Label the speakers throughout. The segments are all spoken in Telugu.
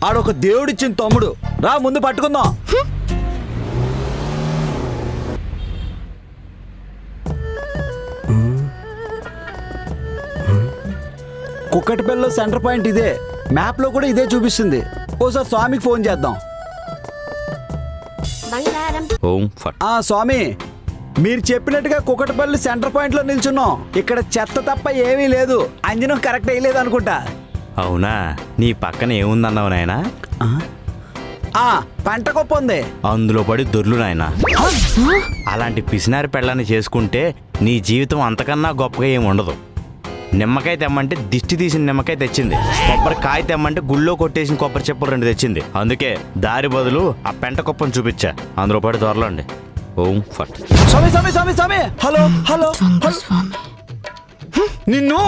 Speaker 1: ఆడొక దేవుడిచ్చిన తమ్ముడు. రా ముందు పట్టుకుందాం. కుక్కటిపల్లిలో సెంటర్ పాయింట్ ఇదే. మ్యాప్ లో కూడా ఇదే చూపిస్తుంది. ఓసారి స్వామికి ఫోన్ చేద్దాం. స్వామి, మీరు చెప్పినట్టుగా కుక్కటిపల్లి సెంటర్ పాయింట్ లో నిల్చున్నాం. ఇక్కడ చెత్త తప్ప ఏమీ లేదు. అంజనం కరెక్ట్ అయ్యలేదు అనుకుంటా.
Speaker 2: అవునా? నీ పక్కన ఏముందన్నావు నాయనా?
Speaker 1: పంట గొప్ప ఉంది.
Speaker 2: అందులో పడి దొర్లు నాయనా. అలాంటి పిసినారి పెళ్ళాన్ని చేసుకుంటే నీ జీవితం అంతకన్నా గొప్పగా ఏమి ఉండదు. నిమ్మకాయ తెమ్మంటే దిష్టి తీసిన నిమ్మకాయ తెచ్చింది. కొబ్బరికాయ తెమ్మంటే గుళ్ళో కొట్టేసిన కొబ్బరి చెప్పులు 2 తెచ్చింది. అందుకే దారి బదులు ఆ పెంట కుప్పను చూపించా. అందులో పడి దొరలండి. ఓం ఫట్.
Speaker 1: స్వామి స్వామి స్వామి స్వామి. హలో హలో నిన్ను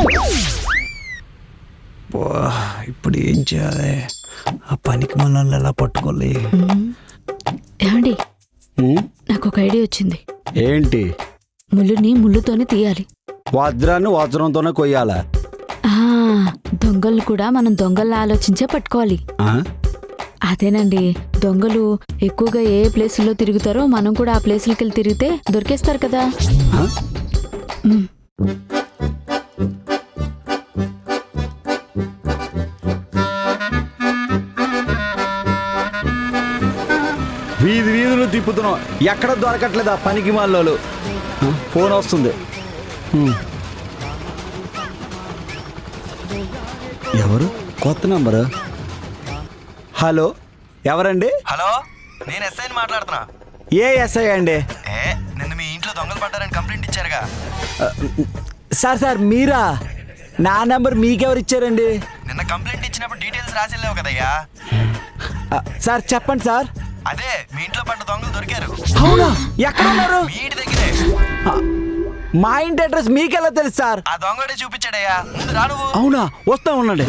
Speaker 1: ఇప్పుడు ఏం చేయాలి? ఆ పనికి మనల్ని ఎలా పట్టుకోవాలి?
Speaker 3: ఏమండి, నాకు ఒక ఐడియా వచ్చింది.
Speaker 1: ఏంటి?
Speaker 3: ముళ్ళుని ముళ్ళుతోనే తీయాలి.
Speaker 1: వజ్రాన్ని వజ్రంతోనే కొయ్యాలా?
Speaker 3: దొంగలు కూడా మనం దొంగల్ని ఆలోచించే పట్టుకోవాలి. అదేనండి, దొంగలు ఎక్కువగా ఏ ప్లేసుల్లో తిరుగుతారో మనం కూడా ఆ ప్లేసులకి వెళ్ళి తిరిగితే దొరికేస్తారు కదా.
Speaker 1: వీధి వీధులు తిప్పుతున్నాం, ఎక్కడ దొరకట్లేదు ఆ పనికి మాలోలు. ఫోన్ వస్తుంది. ఎవరు? కొత్త నంబరు. హలో, ఎవరండి?
Speaker 4: హలో, నేను ఎస్ఐని మాట్లాడుతున్నా.
Speaker 1: ఏ ఎస్ఐ అండి?
Speaker 4: నిన్న మీ ఇంట్లో దొంగలు పడ్డారని కంప్లైంట్ ఇచ్చారుగా.
Speaker 1: సార్ మీరా? నా నంబర్ మీకెవరు ఇచ్చారండి?
Speaker 4: నిన్న కంప్లైంట్ ఇచ్చినప్పుడు డీటెయిల్స్ రాసిల్లేవు కదయ్యా.
Speaker 1: సార్ చెప్పండి సార్.
Speaker 4: అదే మీ ఇంట్లో పడ్డ దొంగలు దొరికారు.
Speaker 1: అవునా? ఎక్కడ ఉన్నారు?
Speaker 4: మీ ఇంటి దగ్గరే.
Speaker 1: మా ఇంటి అడ్రస్ మీకెలా తెలుసు సార్?
Speaker 4: ఆ దొంగడే చూపించాడయ్యా. ముందు రా నువ్వు.
Speaker 1: అవునా? వస్తా ఉండండి.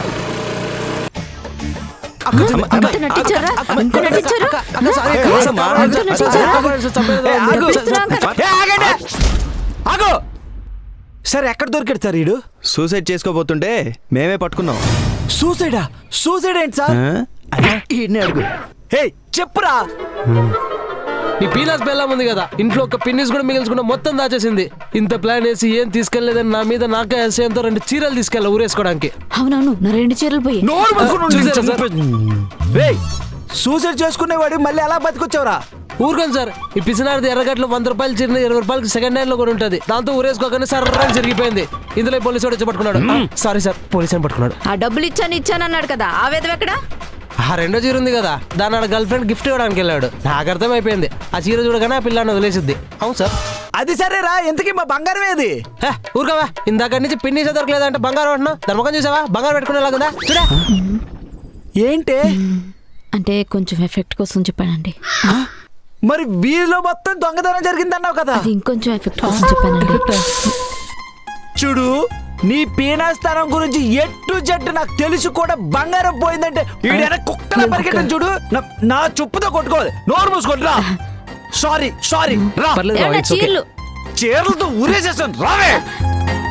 Speaker 1: సార్ ఎక్కడ దొరికాడు సార్? ఈడు
Speaker 4: సూసైడ్ చేసుకోబోతుంటే మేమే పట్టుకున్నాం.
Speaker 1: సూసైడా? సూసైడ్ ఏంటి సార్? అడుగు. హే చెప్పురా.
Speaker 5: నీ పీనాస్ బెల్లం ఉంది కదా, ఇంట్లో ఒక పిన్నిస్ కూడా మిగిల్చుకున్న మొత్తం దాచేసింది. ఇంత ప్లాన్ వేసి ఏం తీసుకెళ్లేదని నా మీద నాకే ఎంతో 2 చీరలు తీసుకెళ్ళా ఊరేసుకోవడానికి.
Speaker 3: అవునవును, నా 2 చీరలు పోయి.
Speaker 1: సూసైడ్ చేసుకునేవాడు మళ్ళీ ఎలా బతికొచ్చావురా?
Speaker 5: ఊరుకోండి సార్, ఈ పిసినారిది ఎర్రగట్లో 100 రూపాయలు చీర 20 రూపాయలకి సెకండ్ హ్యాండ్ లో కూడా ఉంటుంది. దాంతో ఊరేసుకోగానే సర్రని జరిగిపోయింది. ఇందులో పోలీసు వచ్చి పట్టుకున్నాడు. సారీ సార్, పోలీసు పట్టుకున్నాడు.
Speaker 3: ఆ డబ్బులు ఇచ్చానన్నాడు కదా, ఆ వేదం ఎక్కడ?
Speaker 5: ఆ 2వ చీర ఉంది కదా, దాని గర్ల్ ఫ్రెండ్ గిఫ్ట్ ఇవ్వడానికి వెళ్ళాడు. నాకు అర్థమైపోయింది, ఆ చీర చూడగానే ఆ పిల్లని వదిలేసిద్ది. అవును సార్.
Speaker 1: అది సరేరా, ఎంతకీ మా బంగారం ఏది?
Speaker 5: ఊరుకోవా, ఇందాక నుంచి పిన్ని దొరకలేదంటే బంగారం అంటున్నావు. దాని ముఖం చూసావా? బంగారం పెట్టుకునేలాగుందా? చూడా.
Speaker 1: ఏంటి
Speaker 3: అంటే కొంచెం ఎఫెక్ట్ కోసం చెప్పానండి.
Speaker 1: మరి వీధిలో మొత్తం దొంగతనం జరిగిందన్నావు కదా?
Speaker 3: అది ఇంకొంచెం ఎఫెక్ట్ కోసం చెప్పానండి.
Speaker 1: చూడు, నీ పీనాస్థానం గురించి ఎట్టు జట్టు నాకు తెలిసి కూడా బంగారం పోయిందంటే వీడైనా కుక్కలా పరిగెట్టని చూడు. నా చుప్పుతో కొట్టుకోవాలి. నోరు మూసుకుంటురా. సారీ రా.
Speaker 3: చీరలతో
Speaker 1: ఊరేసేస్తాను రావే.